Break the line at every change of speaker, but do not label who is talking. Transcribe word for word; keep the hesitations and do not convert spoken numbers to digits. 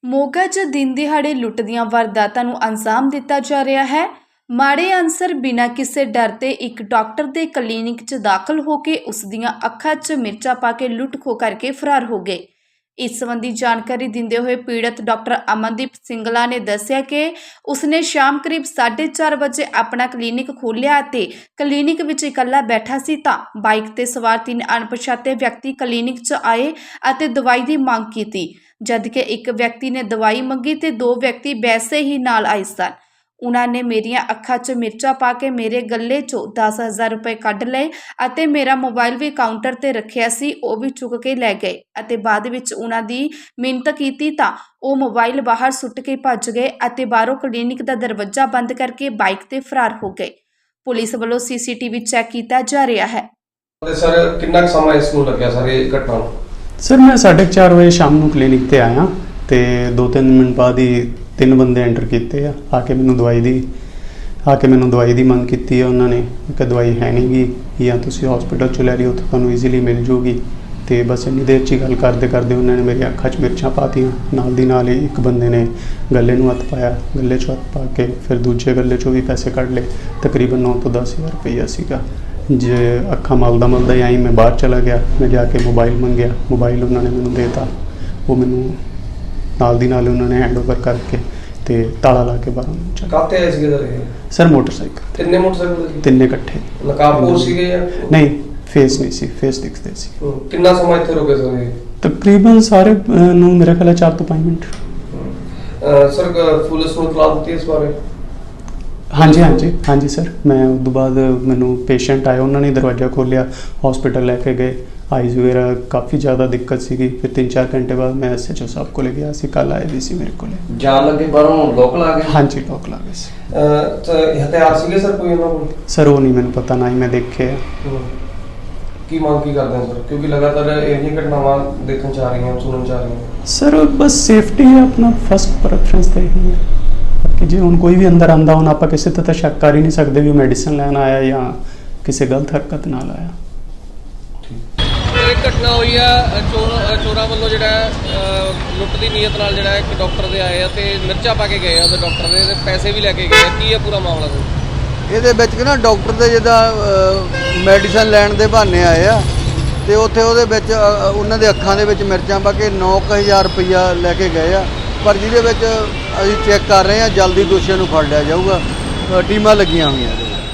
ਮੋਗਾ 'ਚ ਦਿਨ ਦਿਹਾੜੇ ਲੁੱਟ ਦੀਆਂ ਵਾਰਦਾਤਾਂ ਨੂੰ ਅੰਜਾਮ ਦਿੱਤਾ ਜਾ ਰਿਹਾ ਹੈ। ਮਾੜੇ ਅਨਸਰ ਬਿਨਾਂ ਕਿਸੇ ਡਰ ਤੇ ਇੱਕ ਡਾਕਟਰ ਦੇ ਕਲੀਨਿਕ 'ਚ ਦਾਖਲ ਹੋ ਕੇ ਉਸ ਦੀਆਂ ਅੱਖਾਂ 'ਚ ਮਿਰਚਾਂ ਪਾ ਕੇ ਲੁੱਟ ਖੋਹ ਕਰਕੇ ਫਰਾਰ ਹੋ ਗਏ। ਇਸ ਸੰਬੰਧੀ ਜਾਣਕਾਰੀ ਦਿੰਦੇ ਹੋਏ ਪੀੜਤ ਡਾਕਟਰ ਅਮਨਦੀਪ ਸਿੰਗਲਾ ਨੇ ਦੱਸਿਆ ਕਿ ਉਸਨੇ ਸ਼ਾਮ ਕਰੀਬ ਸਾਢੇ ਚਾਰ ਵਜੇ ਆਪਣਾ ਕਲੀਨਿਕ ਖੋਲ੍ਹਿਆ ਅਤੇ ਕਲੀਨਿਕ ਵਿੱਚ ਇਕੱਲਾ ਬੈਠਾ ਸੀ ਤਾਂ ਬਾਈਕ ਤੇ ਸਵਾਰ ਤਿੰਨ ਅਣਪਛਾਤੇ ਵਿਅਕਤੀ ਕਲੀਨਿਕ 'ਚ ਆਏ ਅਤੇ ਦਵਾਈ ਦੀ ਮੰਗ ਕੀਤੀ। ਜਦਕਿ ਇੱਕ ਵਿਅਕਤੀ ਨੇ ਦਵਾਈ ਮੰਗੀ ਤੇ ਦੋ ਵਿਅਕਤੀ ਵੈਸੇ ਹੀ ਨਾਲ ਆਏ ਸਨ। ਉਹਨਾਂ ਨੇ ਮੇਰੀਆਂ ਅੱਖਾਂ 'ਚ ਮਿਰਚਾਂ ਪਾ ਕੇ ਮੇਰੇ ਗੱਲੇ 'ਚੋਂ ਦਸ ਹਜ਼ਾਰ ਰੁਪਏ ਕੱਢ ਲਏ ਅਤੇ ਮੇਰਾ ਮੋਬਾਈਲ ਵੀ ਕਾਊਂਟਰ ਤੇ ਰੱਖਿਆ ਸੀ ਉਹ ਵੀ ਚੁੱਕ ਕੇ ਲੈ ਗਏ ਅਤੇ ਬਾਅਦ ਵਿੱਚ ਉਹਨਾਂ ਦੀ ਮਿਹਨਤ ਕੀਤੀ ਤਾਂ ਉਹ ਮੋਬਾਈਲ ਬਾਹਰ ਸੁੱਟ ਕੇ ਭੱਜ ਗਏ ਅਤੇ ਬਾਹਰੋਂ ਕਲੀਨਿਕ ਦਾ ਦਰਵਾਜ਼ਾ ਬੰਦ ਕਰਕੇ ਬਾਈਕ ਤੇ ਫਰਾਰ ਹੋ ਗਏ। ਪੁਲਿਸ ਵੱਲੋਂ ਸੀਸੀਟੀਵੀ ਚੈੱਕ ਕੀਤਾ ਜਾ ਰਿਹਾ ਹੈ।
ਸਰ ਕਿੰਨਾ ਕੁ ਸਮਾਂ ਇਸ ਨੂੰ ਲੱਗਿਆ ਸਰ ਇਹ ਘਟਨਾ ਨੂੰ?
सर मैं साढ़े चार बजे शाम ਨੂੰ ਕਲੀਨਿਕ ਤੇ ਆਇਆ ਤੇ ਦੋ ਤਿੰਨ ਮਿੰਟ ਬਾਅਦ ਹੀ ਤਿੰਨ ਬੰਦੇ ਐਂਟਰ ਕੀਤੇ ਆ ਆ ਕੇ ਮੈਨੂੰ ਦਵਾਈ ਦੀ ਆ ਕੇ ਮੈਨੂੰ ਦਵਾਈ ਦੀ ਮੰਗ ਕੀਤੀ ਹੈ। ਉਹਨਾਂ ਨੇ ਕਿ ਦਵਾਈ ਹੈ ਨਹੀਂ ਗੀ ਜਾਂ ਤੁਸੀਂ ਹਸਪੀਟਲ ਚ ਲੈ ਲਿਓ ਉੱਥੇ ਤੁਹਾਨੂੰ ਈਜ਼ੀਲੀ ਮਿਲ ਜੂਗੀ ਤੇ ਬਸ ਇੰਨੀ ਦੇਰ 'ਚ ਹੀ ਗੱਲ ਕਰਦੇ ਕਰਦੇ ਉਹਨਾਂ ਨੇ ਮੇਰੀ ਅੱਖਾਂ 'ਚ ਮਿਰਚਾਂ ਪਾਤੀਆਂ। ਨਾਲ ਦੀ ਨਾਲ ਹੀ ਇੱਕ ਬੰਦੇ ਨੇ ਗੱਲੇ ਨੂੰ ਹੱਥ ਪਾਇਆ, ਗੱਲੇ 'ਚ ਹੱਥ ਪਾ ਕੇ ਫਿਰ ਦੂਜੇ ਗੱਲੇ 'ਚੋਂ ਵੀ ਪੈਸੇ ਕੱਢ ਲਏ। ਤਕਰੀਬਨ ਨੌ ਤੋਂ ਦਸ ਹਜ਼ਾਰ ਰੁਪਈਆ ਸੀਗਾ। ਜੇ ਅੱਖਾਂ ਮਲਦਾ ਮਲਦਾ ਹੀ ਆਈ ਮੈਂ ਬਾਹਰ ਚਲਾ ਗਿਆ। ਮੈਂ ਜਾ ਕੇ ਮੋਬਾਈਲ ਮੰਗਿਆ, ਮੋਬਾਈਲ ਉਹਨਾਂ ਨੇ ਮੈਨੂੰ ਦੇ ਤਾ। ਉਹ ਮੈਨੂੰ ਨਾਲ ਦੀ ਨਾਲ ਉਹਨਾਂ ਨੇ ਹੈਂਡ ਓਵਰ ਕਰਕੇ ਤੇ ਤਾਲਾ ਲਾ ਕੇ ਬਾਹਰ ਨੂੰ
ਕਾਹਤੇ ਆਏ ਸੀਗੇ ਸਰ ਇਹ?
ਸਰ ਮੋਟਰਸਾਈਕਲ
ਤਿੰਨੇ ਮੋਟਰਸਾਈਕਲ ਸੀ?
ਤਿੰਨੇ ਇਕੱਠੇ।
ਨਕਾਬਪੋਸ਼ ਸੀਗੇ ਜਾਂ
ਨਹੀਂ? ਫੇਸ ਨਹੀਂ ਸੀ, ਫੇਸ ਦਿਖਦੇ ਸੀ।
ਕਿੰਨਾ ਸਮਾਂ ਇੱਥੇ ਰੁਕੇ ਸਰ ਇਹ?
ਤਕਰੀਬਨ ਸਾਰੇ ਅਹ, ਨੂੰ ਮੇਰਾ ਖਿਆਲ ਹੈ ਚਾਰ ਤੋਂ ਪੰਜ ਮਿੰਟ।
ਸਰ ਪੁਲਿਸ ਨੂੰ ਇਤਲਾਹ ਦਿੱਤੀ ਇਸ ਬਾਰੇ?
ਹਾਂਜੀ ਹਾਂਜੀ ਹਾਂਜੀ ਸਰ, ਮੈਂ ਉਸ ਤੋਂ ਬਾਅਦ ਮੈਨੂੰ ਪੇਸ਼ੈਂਟ ਆਇਆ, ਉਹਨਾਂ ਨੇ ਦਰਵਾਜ਼ਾ ਖੋਲ੍ਹਿਆ, ਹਸਪੀਟਲ ਲੈ ਕੇ ਗਏ। ਆਈਜ਼ ਵਗੈਰਾ ਕਾफ़ी ज़्यादा दिक्कत ਸੀਗੀ। ਫਿਰ ਤਿੰਨ ਚਾਰ ਘੰਟੇ ਬਾਅਦ ਮੈਂ ਐਸ ਐਚ ਓ ਸਾਹਿਬ ਕੋਲੇ ਗਿਆ ਸੀ। ਕੱਲ੍ਹ ਆਏ ਵੀ ਸੀ ਮੇਰੇ ਕੋਲੇ।
ਜਾਣ ਲੱਗੇ ਬਾਹਰੋਂ ਲੋਕ ਲਾ ਗਏ?
ਹਾਂਜੀ ਲੋਕ ਲਾ ਗਏ ਸੀ।
ਹਥਿਆਰ ਸੀਗੇ ਸਰ ਕੋਈ ਉਹਨਾਂ ਕੋਲ?
ਸਰ ਉਹ ਨਹੀਂ ਮੈਨੂੰ ਪਤਾ, ਨਾ ਹੀ ਮੈਂ ਦੇਖੇ ਆ।
ਕੀ ਮੰਗ ਕੀ ਕਰਦੇ ਹੋ ਸਰ, ਕਿਉਂਕਿ ਲਗਾਤਾਰ ਇਹ ਘਟਨਾਵਾਂ ਦੇਖਣ ਚ ਆ ਰਹੀਆਂ, ਸੁਣਨ ਚ ਆ ਰਹੀਆਂ?
ਸਰ ਬਸ ਸੇਫਟੀ ਹੈ ਆਪਣਾ ਫਸਟ ਪ੍ਰੈਫਰੈਂਸ ਤਾਂ ਇਹੀ ਹੈ ਕਿ ਜੇ ਹੁਣ ਕੋਈ ਵੀ ਅੰਦਰ ਆਉਂਦਾ ਹੁਣ ਆਪਾਂ ਕਿਸੇ ਤੇ ਤਾਂ ਸ਼ੱਕ ਕਰ ਹੀ ਨਹੀਂ ਸਕਦੇ ਵੀ ਮੈਡੀਸਨ ਲੈਣ ਆਇਆ ਜਾਂ ਕਿਸੇ ਗਲਤ ਹਰਕਤ ਨਾਲ ਆਇਆ।
ਇੱਕ ਘਟਨਾ ਹੋਈ ਆ ਚੋਰ ਚੋਰਾਂ ਵੱਲੋਂ ਜਿਹੜਾ ਲੁੱਟ ਦੀ ਨੀਅਤ ਨਾਲ ਜਿਹੜਾ ਇੱਕ ਡਾਕਟਰ ਦੇ ਆਏ ਆ ਤੇ ਮਿਰਚਾਂ ਪਾ ਕੇ ਗਏ ਆ ਉਹਦੇ ਡਾਕਟਰ ਦੇ ਤੇ ਪੈਸੇ ਵੀ ਲੈ ਕੇ ਗਏ ਆ। ਕੀ ਆ ਪੂਰਾ ਮਾਮਲਾ ਸਰ?
ਇਹਦੇ ਵਿੱਚ ਨਾ ਡਾਕਟਰ ਦੇ ਜਿੱਦਾਂ ਮੈਡੀਸਨ ਲੈਣ ਦੇ ਬਹਾਨੇ ਆਏ ਆ ਤੇ ਉੱਥੇ ਉਹਦੇ ਵਿੱਚ ਉਹਨਾਂ ਦੇ ਅੱਖਾਂ ਦੇ ਵਿੱਚ ਮਿਰਚਾਂ ਪਾ ਕੇ ਨੌ ਕੁ ਹਜ਼ਾਰ ਰੁਪਈਆ ਲੈ ਕੇ ਗਏ ਆ। ਪਰ ਜਿਹਦੇ ਵਿੱਚ ਅਸੀਂ ਚੈੱਕ ਕਰ ਰਹੇ ਹਾਂ, ਜਲਦੀ ਦੋਸ਼ੀਆਂ ਨੂੰ ਫੜ ਲਿਆ ਜਾਊਗਾ। ਟੀਮਾਂ ਲੱਗੀਆਂ ਹੋਈਆਂ ਇਹਦੇ ਵਿੱਚ।